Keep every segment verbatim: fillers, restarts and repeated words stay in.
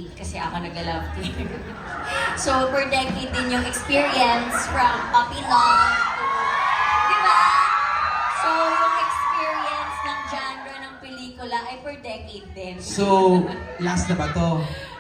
kasi ako nag-love team. So, per decade din yung experience from puppy love to, di ba? So, yung experience ng genre ng pelikula ay per decade din. So, last na ba to?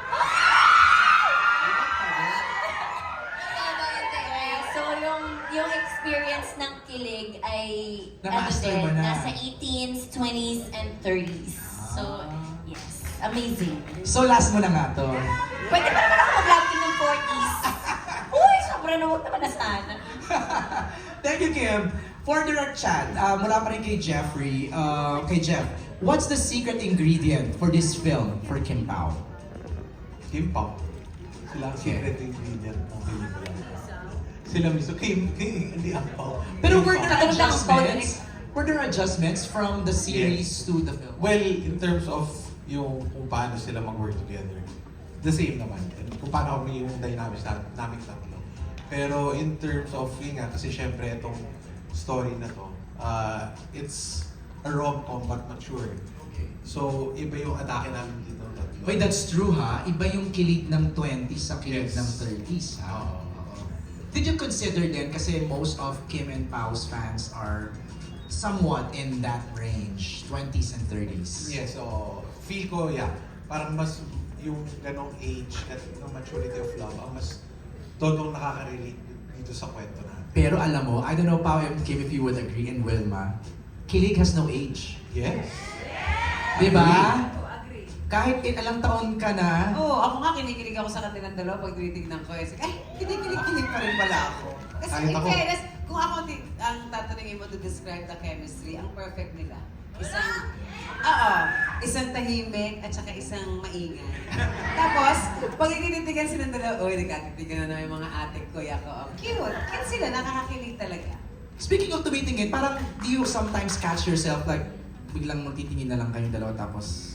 So, yung yung experience ng kilig ay Na-master mo din, na. nasa eighteens, twenties, and thirties. So, yes, amazing. So, last mo na nga to. Pwede pa naman ako mag-love team ng forties. Uy, sobra na huwag naman na sana. Thank you, Kim. For direct chat, uh, mula pa rin kay Jeffrey, uh, kay Jeff, what's the secret ingredient for this film for Kim Pao? Kim Pao. Sila ang secret ingredient ng pelikula. Sila mismo. Kim, Kim, hindi ang Pao. Pero were there Kim Pao. adjustments? Were there adjustments from the series to the film? Well, in terms of yung kung paano sila mag-work together, the same naman. And kung paano kami yung dynamics na, namin tatlo. Pero in terms of, yun nga, kasi syempre itong story na to, uh, it's a rom-com but mature. So, iba yung atake namin dito. Tatlo. Wait, that's true ha? Iba yung kilig ng twenties sa kilig Yes. ng thirties ha? Oo, oo. Did you consider din, kasi most of Kim and Pao's fans are somewhat in that range, twenties and thirties. Yes, so feel ko, yeah, parang mas yung ganong age at yung maturity of love, ang mas todong nakaka-relate dito sa kwento na. Pero alam mo, I don't know Pao and Kim if you would agree, and Wilma, kilig has no age. Yes. Diba? Agree. Kahit ilang taon ka na, Oo, ako nga kinikilig ako sa kanilang dalawa pag tinitignan ko. Eh, ay, kinikilig-kilig pa rin pala ako. Kasi Kahit in ako. fairness, kung ako ti- ang tatanungin mo to describe the chemistry, ang perfect nila. Isang, oo, isang tahimik at saka isang maingay. Tapos, pag ikinitigan silang dalawa, uy, nagkatitigan na naman yung mga ate ko, yako, oh, cute. Cute sila, nakakakilig talaga. speaking of tumitingin, parang do you sometimes catch yourself like, biglang magtitingin na lang kayong dalawa tapos...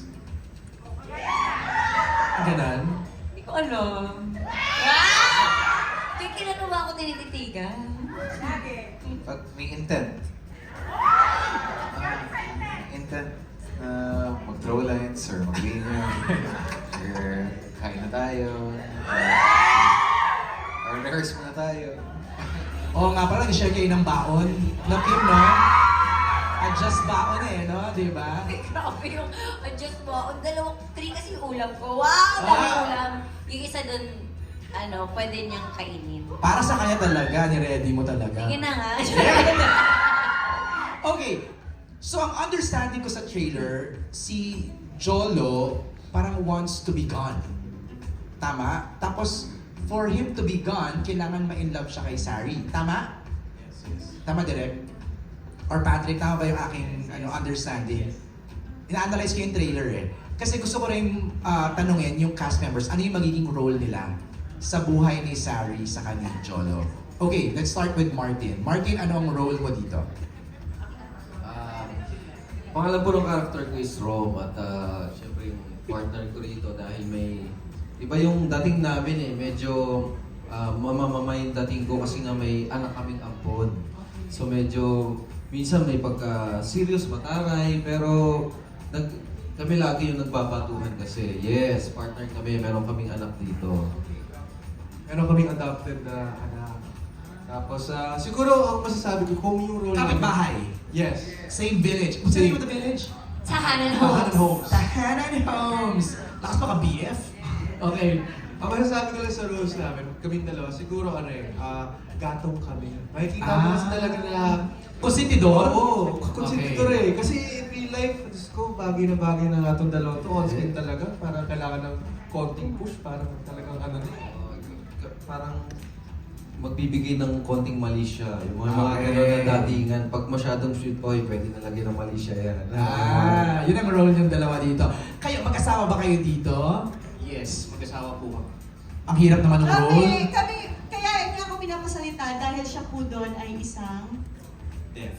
Ganon? Hindi ko alam. Kaya kailan mo ba ako tinititigan? Pag may intent. Uh, intent na mag-throw lines or mag-linya or kain na tayo uh, or rehearse muna tayo. Oo nga pala, nag-share kayo ng baon. No, Kim, no? Adjust baon eh, no? Di ba? Ay, grabe yung adjust mo. Ang dalawang, three kasi yung ulam ko. Wow! Dami Ah. ulam. Yung isa dun, ano, pwede niyang kainin. Para sa kanya talaga, ni-ready mo talaga. Sige na nga. Okay, so ang understanding ko sa trailer, si Jolo parang wants to be gone. Tama? Tapos, for him to be gone, kailangan ma-in love siya kay Sari. Tama? Yes, yes. Tama, Direk? Or Patrick, tama ba yung aking ano, understanding? Ina-analyze ko yung trailer eh. Kasi gusto ko rin ah, tanungin yung cast members, ano yung magiging role nila sa buhay ni Sari sa kanyang Jolo? Okay, let's start with Martin. Martin, ano ang role mo dito? Ah, pangalan po ng character ko is Rom at uh, syempre yung partner ko rito dahil may iba yung dating namin eh, medyo uh, mamamama yung dating ko kasi nga may anak kaming ampon. So medyo minsan may pagka serious mataray pero nag, kami lagi yung nagbabatuhan kasi yes, partner kami, meron kaming anak dito. Meron kaming adopted na anak. Tapos, ah, siguro ang masasabi ko, kung yung role Kapit namin- bahay. Yes. Same village. What's the name of the village? Tahanan Tahanan Homes. Homes. Tahanan Homes. Lakas pa ka B F. Okay. Ang masasabi ko lang sa roles namin, kaming dalawa, siguro ano eh, ah, gatong kami. Makikita mo Ah. kasi talaga na, Konsentidor? oo, konsentidor eh. Kasi in real life, Diyos ko, bagay na bagay na nga itong dalawa to, on screen talaga. Parang kailangan ng konting push, parang talagang ano na eh. Uh, k- parang magbibigay ng konting mali siya. Yung mga, mga Okay. gano'n na datingan. Pag masyadong sweet boy, pwede na lagyan ng mali siya yan. Ah, yun ang role yung dalawa dito. Kayo, magkasama ba kayo dito? Yes, mag-asawa po kami. Ang hirap naman ng role. Kami, kami, kaya hindi ako pinapasalita dahil siya po doon ay isang... Death.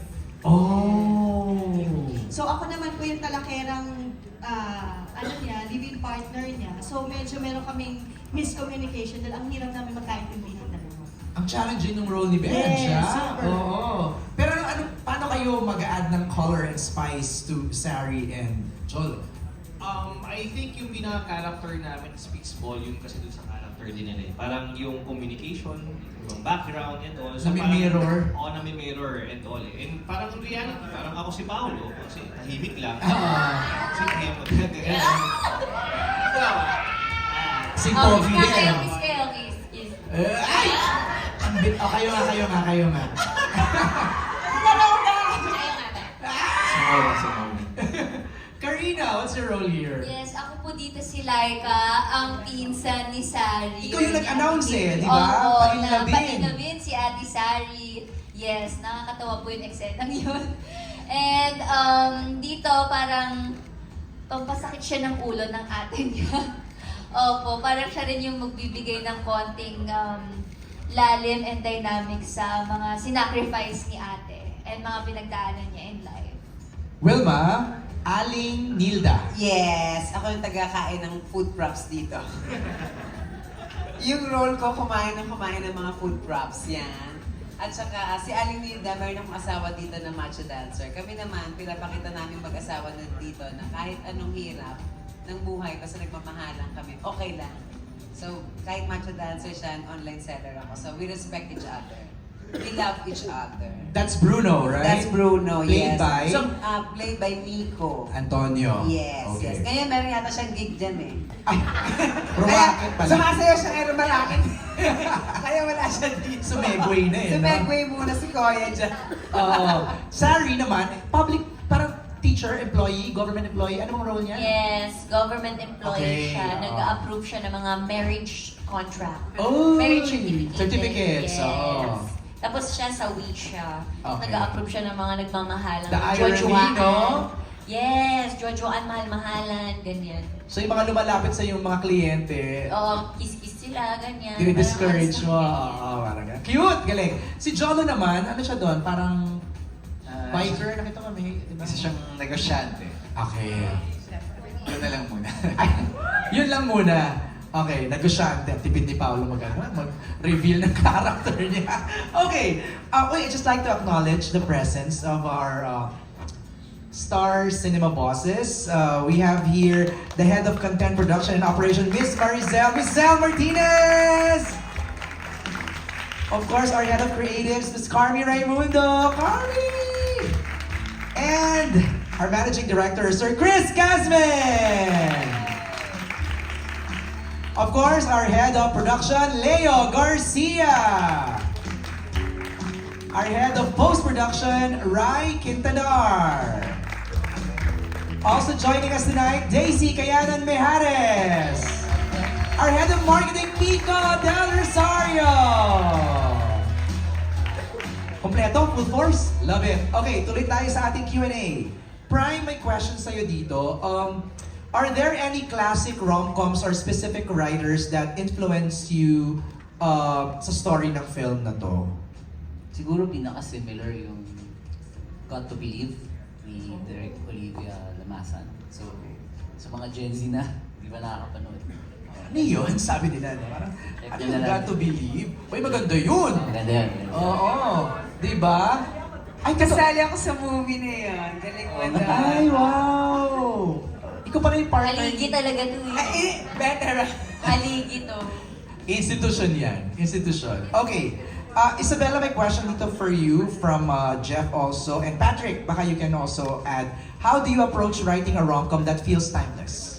Oh. So ako naman po yung talakerang, ah, ano niya, living partner niya. So medyo meron kaming miscommunication dahil ang hirap namin magkaintindihan dalawa. Ang challenging ng role ni Ben, Yes, siya. super. Oo. Pero ano, ano, paano kayo mag-add ng color and spice to Sari and Jolo? Um, I think yung pinaka-character namin speaks volume kasi dun sa character din nila eh. Parang yung communication, yung background and all. Nami-mirror. Oo, nami-mirror and all eh. And parang in reality, parang ako si Paolo, kasi tahimik lang. Ah. Si Kemo, ganyan. Ikaw, Si Oh, Pogi kiss din. kayo, kiss kayo, kiss, kiss. Eh, ay! Ang bit- oh, kayo nga, kayo nga, kayo nga. Dalawa ba? Kayo nga ba? Sumama, sumama. Karina, what's your role here? Yes, ako po dito si Laika, ang pinsan ni Sari. Ikaw yung nag-announce eh, di ba? Oo, Painabin. na painabin si Ate Sari. Yes, nakakatawa po yung eksenang yun. And um, dito parang pampasakit siya ng ulo ng ate niya. Opo, parang siya rin yung magbibigay ng konting um, lalim and dynamic sa mga sinacrifice ni ate and mga pinagdaanan niya in life. Wilma, Aling Nilda. Yes, ako yung taga-kain ng food props dito. Yung role ko, kumain ng kumain ng mga food props, yan. At saka, ah, si Aling Nilda, mayroon akong asawa dito na macho dancer. Kami naman, pinapakita namin mag-asawa na dito na kahit anong hirap ng buhay, basta nagmamahalan kami, okay lang. So, kahit macho dancer siya, online seller ako. So, we respect each other. We love each other. That's Bruno, right? That's Bruno, Played yes. by? So, uh, played by Nico. Antonio. Yes, Okay. yes. Ngayon meron yata siyang gig dyan eh. Ay, rumakit pala. Sumasayaw siya ngayon rumalakit. Kaya wala siya dito. Sumegway na eh, no? Sumegway muna si Koya dyan. Oo. Sari naman, public, parang teacher, employee, government employee. Ano bang role niya? Yes, government employee Okay, siya. oo. Nag-approve siya ng mga marriage contract. Oh, marriage certificate. certificates, Yes. oo. Tapos siya sa Wisha. Okay. Nag-approve siya ng mga nagmamahalang The irony, jojoaan. no? Yes, jojoaan, mahal-mahalan, ganyan. So yung mga lumalapit sa yung mga kliyente, Oo, kiss-kiss sila, ganyan. dinidiscourage mo. Parang Oo, parang ganun. Cute! Galing! Si Jolo naman, ano siya doon? Parang Ah, biker, nakita kami. Diba? Isa siyang negosyante. Okay. Yun na lang muna. Ay, yun lang muna. Okay, negosyante. Ang tipid ni Paolo mag, ano, mag-reveal ng character niya. Okay. Uh, wait, I'd just like to acknowledge the presence of our uh, Star Cinema bosses. Uh, we have here the head of content production and operation, Miss Maricel, Maricel Martinez! Of course, our head of creatives, Miss Carmi Raimundo. Carmi! And our managing director, Sir Chris Casman! Of course, our head of production, Leo Garcia. Our head of post-production, Rai Quintador. Also joining us tonight, Daisy Cayanan Mejares. Our head of marketing, Kiko Del Rosario. Kompleto, full force? Love it. Okay, tuloy tayo sa ating Q and A. Prime, may question sa'yo dito. Um, are there any classic rom-coms or specific writers that influence you uh, sa story ng film na to? Siguro pinaka-similar yung Got to Believe ni Direk Olivia Lamasan. So, sa mga Gen Z na, di ba nakakapanood? Ano yun? Sabi nila, no? Parang, Check ano nyo yung na lang. got to believe? Uy, maganda yun! Maganda yan. Oo, di ba? Ay, kasi... Kasali ako sa movie na yun. Galing mo na. Ay, wow! Ikaw pa na yung partner. Haligi talaga to eh. Ay, eh, better. Haligi to. Institution yan. Institution. Okay. Uh, Isabella, may question dito for you from uh, Jeff also. And Patrick, baka you can also add, how do you approach writing a rom-com that feels timeless?